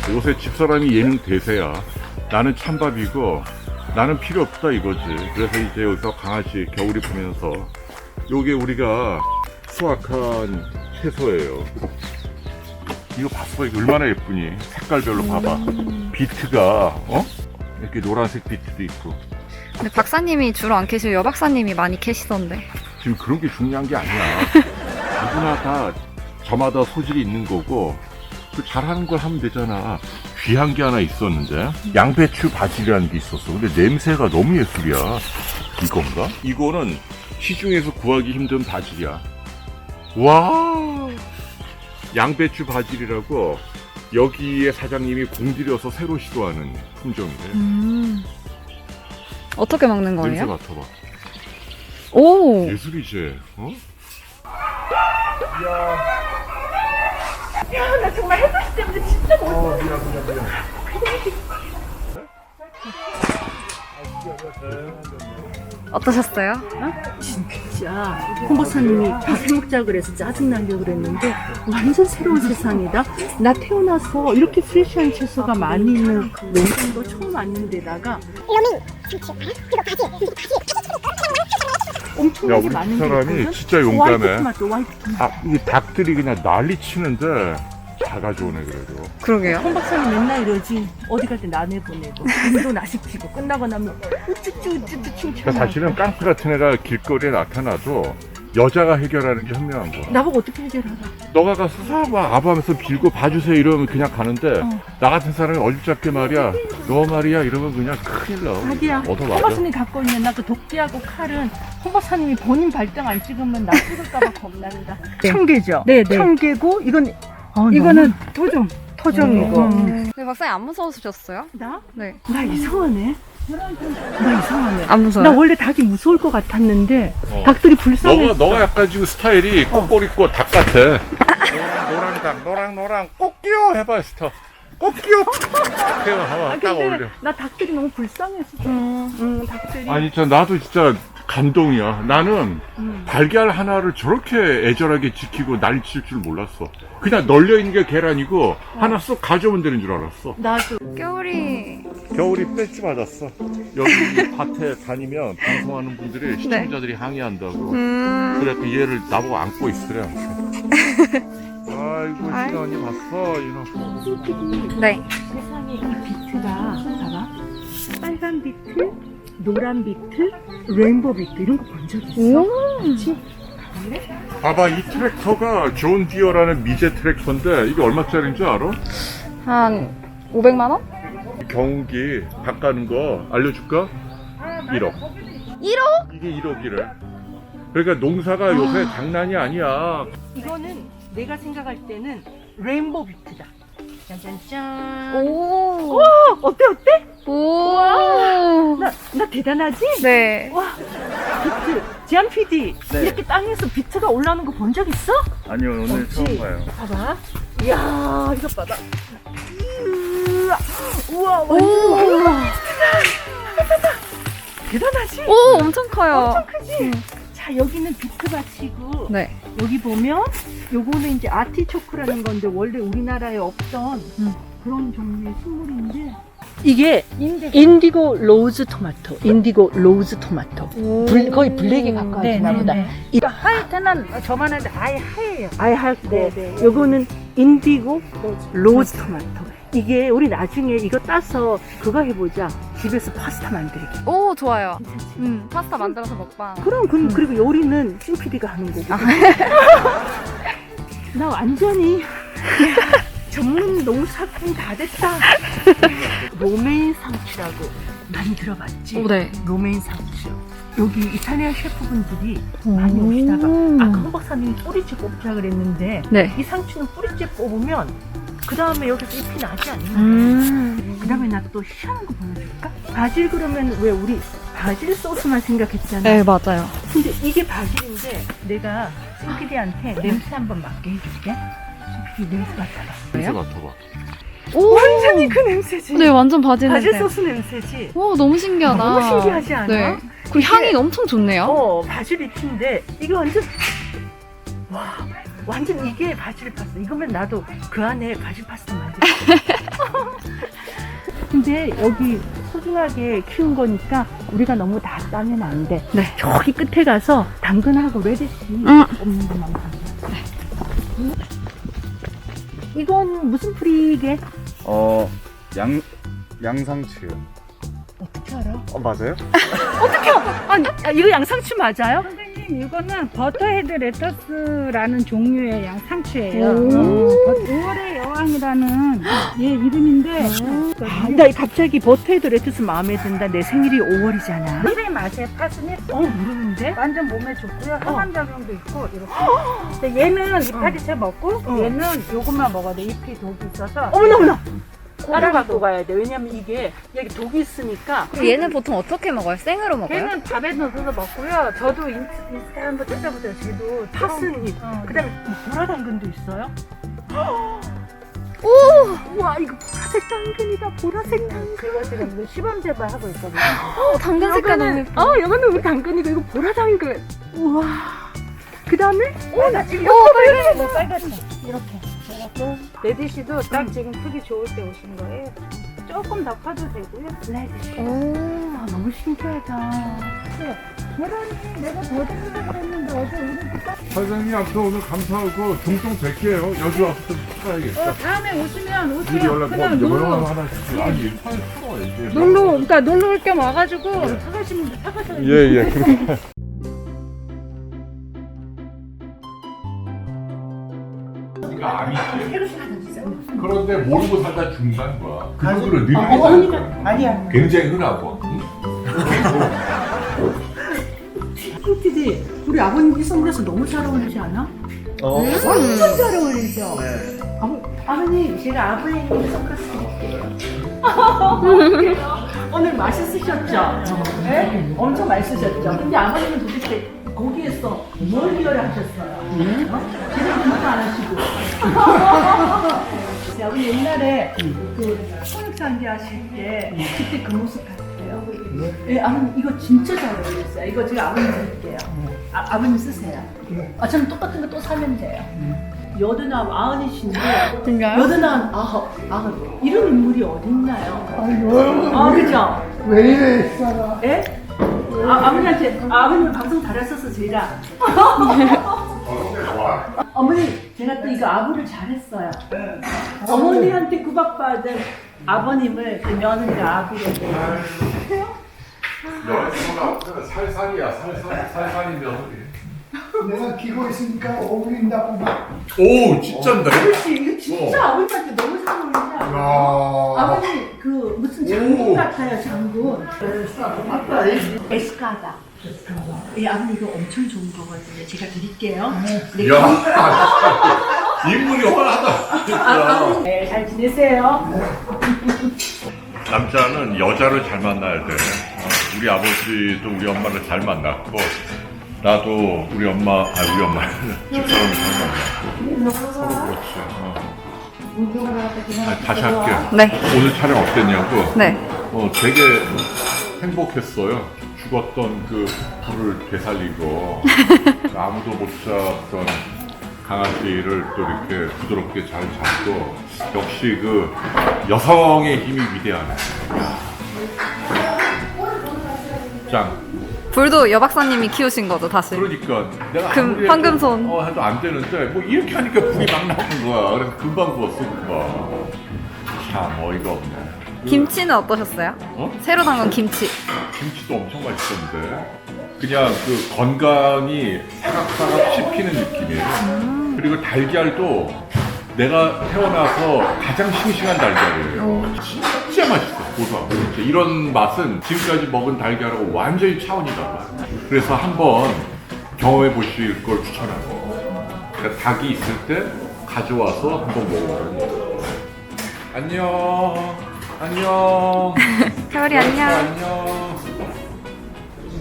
요새 집사람이 예능 대세야. 나는 찬밥이고 나는 필요 없다 이거지. 그래서 이제 여기서 강아지 겨울이 보면서 요게 우리가 수확한 채소예요. 이거 봤어? 이거 얼마나 예쁘니? 색깔별로 봐봐. 비트가 이렇게 노란색 비트도 있고. 근데 박사님이 주로 안 캐시고 여 박사님이 많이 캐시던데. 지금 그런 게 중요한 게 아니야. 누구나 다 저마다 소질이 있는 거고 그 잘하는 걸 하면 되잖아. 귀한 게 하나 있었는데 양배추 바질이라는 게 있었어. 근데 냄새가 너무 예술이야. 이건가? 이거는 시중에서 구하기 힘든 바질이야. 와, 양배추 바질이라고 여기에 사장님이 공들여서 새로 시도하는 품종이래. 어떻게 먹는 냄새 거예요? 맡아봐. 오! 예술이지. 어? 야, 나 정말 햇볕 때문에 진짜 못. 미안. 어떠셨어요? 진짜 홍 박사님이 밥 해먹자 그래서 짜증나게 그랬는데 완전 새로운 세상이다. 나 태어나서 이렇게 프레시한 채소가 많이 있는 농장도 처음 왔는데다가 엄청나게 우리 많은 게 사람이 있거든. 진짜 용감해. 화이트 토마토, 화이트 토마토. 아, 이 닭들이 그냥 난리 치는데 다 가져오네 그래도. 그러게요. 홍 박사님 맨날 이러지. 어디 갈 때 나내 보내고 일도 나 시키고 끝나고 나면 우쭈쭈 칭찬. 그러니까 사실은 깡패 같은 애가 길거리에 나타나도 여자가 해결하는 게 현명한 거야. 나보고 어떻게 해결하라. 너가 가서 막 아부하면서 빌고 봐주세요 이러면 그냥 가는데 나 같은 사람이 어줍잖게 말이야 너 말이야 이러면 그냥 큰일 나. 자기야, 얻어 홍 맞아. 박사님 갖고 있는 나 그 도끼하고 칼은 홍 박사님이 본인 발등 안 찍으면 나 찍을까봐 겁난다. 청개죠? 네, 네. 청개고 이건 이거는 토종이고. 근데 박사님 안 무서우셨어요? 나? 네. 나 이상하네. 나 이상하네. 안 무서워요? 나 원래 닭이 무서울 것 같았는데 어. 닭들이 불쌍해. 너가 약간 지금 스타일이 꼬꼬리꼬 닭 같아. 노랑 닭 노랑 꼬끼요 해봐 스타. 꼬끼요. 해봐 딱 어울려. 나 닭들이 너무 불쌍해서. 닭들이. 아니 진짜 나도 진짜 감동이야. 나는 달걀 하나를 저렇게 애절하게 지키고 난리 칠 줄 몰랐어. 그냥 널려 있는 게 계란이고 하나 쏙 가져오면 되는 줄 알았어. 나도. 겨울이. 겨울이 배지 맞았어. 여기 밭에 다니면 방송하는 분들이 시청자들이 항의한다고. 그래 그 얘를 나보고 안고 있으래. 아이고 아이. 신아 언니 봤어 이놈. 네. 세상에 이 비트가 봐봐. 빨간 비트, 노란 비트, 레인보우 비트 이런 거 본 적 있어? 그치? 봐봐 이 트랙터가 존 디어라는 미제 트랙터인데 이게 얼마짜리인 줄 알아? 한 500만 원? 경운기 바꾸는 거 알려줄까? 1억. 1억? 이게 1억이래. 그러니까 농사가 요새 장난이 아니야. 이거는 내가 생각할 때는 레인보우 비트다. 짠짠짠. 오. 와, 어때? 오. 나 대단하지? 네. 와, 비트. 지안 PD. 이렇게 땅에서 비트가 올라오는 거 본 적 있어? 아니요 오늘 없지? 처음 봐요. 봐봐. 이야, 이것 봐봐. 우와, 오. 완전 대단하지? 오, 엄청 커요. 엄청 크지? 자, 여기는 비트밭이고 네. 여기 보면 요거는 이제 아티초크라는 건데 원래 우리나라에 없던 그런 종류의 식물인데 이게 인디고 로즈 토마토. 인디고 로즈 토마토. 거의 블랙에 가까워지나 보다. 이거 하얗테는 저만한데 아예 하얘요. 아예 하얗고 요거는 인디고 로즈 토마토. 이게 우리 나중에 이거 따서 그거 해보자. 집에서 파스타 만들기. 오, 좋아요. 파스타 만들어서 먹방. 그럼 그리고 요리는 찐PD가 하는 거고. 나 완전히 전문 농사꾼 다 됐다. 로메인 상추라고 많이 들어봤지? 오, 네. 로메인 상추. 여기 이탈리아 셰프분들이 많이 오시다가 아까 홍 박사님이 뿌리째 뽑자 그랬는데 네. 이 상추는 뿌리째 뽑으면 그 다음에 여기서 잎이 나지 않나? 그 다음에 나 또 희한한 거 보여줄까? 바질 그러면 왜 우리 바질 소스만 생각했잖아. 네, 맞아요. 근데 이게 바질인데 내가 찐PD한테 냄새 한번 맡게 해줄게. 찐PD 냄새 맡아봐. 냄새 맡아봐. 오. 완전히 그 냄새지. 네, 완전 바질 바질 냄새. 소스 냄새지. 오, 너무 신기하다. 너무 신기하지 않아? 네. 그리고 향이 엄청 좋네요. 바질 잎인데 이게 완전 완전 이게 바질 파스타. 이거면 나도 그 안에 바질 파스타 만들 수 있어. 근데 여기 소중하게 키운 거니까 우리가 너무 다 따면 안 돼. 네. 저기 끝에 가서 당근하고 레디시 없는 것만 봐. 이건 무슨 풀이게? 양상추. 어떻게 알아? 맞아요? 아니, 이거 양상추 맞아요? 선생님, 이거는 버터헤드 레터스라는 종류의 양상추예요. 오. 5월의 여왕이라는 얘 이름인데 나 갑자기 버터헤드 레터스 마음에 든다. 내 생일이 5월이잖아. 힐의 맛에 파스니 모르는데? 완전 몸에 좋고요. 항암작용도 있고 이렇게. 근데 얘는 이파리 채 먹고 얘는 요것만 먹어야 돼. 잎이 독이 있어서. 어머나. 따라 갖고 가야 돼. 왜냐면 이게 여기 독이 있으니까. 얘는 보통 어떻게 먹어요? 생으로 먹어요? 걔는 밥에 넣어서 먹고요. 저도 인스타 한번 찾아보세요. 쟤도 파스잎. 어. 그다음에 보라 당근도 있어요. 오! 우와, 이거 보라색 당근이다. 보라색 당근. 그거 지금 이거 시범 재배하고 있거든요. 당근 색깔 너무 예뻐. 이거는 우리 당근이고 이거 보라 당근. 우와. 그다음에 나 지금 빨갛다. 이렇게. 그래갖고 레디시도 딱 지금 크기 좋을 때 오신 거예요. 조금 더 커도 되고요. 레디시. 오. 너무 신기하다. 계란이 내가 더 드리려고 했는데 어제 우리 사장님 앞서 오늘 감사하고 종종 뵐게요. 여기 와서 좀 찾아야겠다. 다음에 오시면 미리 오세요. 연락 그냥 뭐 놀러 하나 주세요. 아니 사야지. 그러니까 놀러 올 겸 와가지고 사가시면 사가셔야 예예. 이거 아니지. 그런데 모르고 살다 중간 거야. 그거를 늘리지 아니야. 굉장히 흔하고. 꿀티디 우리 아버님 이 선글라스 너무 잘 어울리지 않아? 완전 잘 어울리죠? 네. 아버님 제가 아버님 선글라스 드릴게요. 오늘 맛있으셨죠? 네? 엄청 맛있으셨죠? 근데 아버님은 도대체 거기에서 뭘 기여를 하셨어요? 제대로 공부 안 하시고. 아버님 옛날에 그 손익상제 하실 때 그때 그 모습 같아요. 네, 아버님 이거 진짜 잘 어울렸어요. 이거 제가 아버님 드릴게요. 아버님 쓰세요. 저는 똑같은 거 또 사면 돼요. 여든아홉 아흔이신데 진짜요? 여든아홉 이런 인물이 어딨나요? 그죠? 왜 이래 있어라. 예? 아버님한테 아버님 방송 잘했어서 제가 어머니 제가 또 이거 아부를 잘했어요. 어머니한테 구박받은 아버님을 그 며느리가 아부로 여자가 살살이야. 살살인 며느리. 내가 기고 있으니까 어울린다고 막. 오 진짜인데. 그렇지 이거 진짜 아버님한테 너무 잘 어울리지 않아요? 아버님 그 무슨 장군 같아요 장군. 에스카다. 예, 아버님 이거 엄청 좋은 거거든요. 제가 드릴게요. 네. 야 인물이 훤하다. 진짜. 네, 잘 지내세요. 남자는 여자를 잘 만나야 돼. 우리 아버지도 우리 엄마를 잘 만났고 나도 우리 엄마 집사람을 잘 만났고 서로 그렇지. 다시 할게. 네. 오늘 촬영 어땠냐고? 네. 되게 행복했어요. 죽었던 그 불을 되살리고 아무도 못 잡던 강아지를 또 이렇게 부드럽게 잘 잡고 역시 그 여성의 힘이 위대하네. 짱. 불도 여 박사님이 키우신 거죠, 다시. 그러니까 내가 금, 아무리 황금손. 해도 안 되는데 뭐 이렇게 하니까 불이 막 나오는 거야. 그래서 금방 구웠어 금방. 참 어이가 없네. 김치는 어떠셨어요? 새로 담근 김치. 김치도 엄청 맛있었는데 그냥 그 건강이 사각사각 씹히는 느낌이에요. 그리고 달걀도 내가 태어나서 가장 싱싱한 달걀이에요. 진짜 맛있어. 고소하고. 이런 맛은 지금까지 먹은 달걀하고 완전히 차원이 달라. 그래서 한번 경험해 보실 걸 추천하고. 그러니까 닭이 있을 때 가져와서 한번 먹어보는. 안녕. 안녕. 세월이 안녕. 안녕.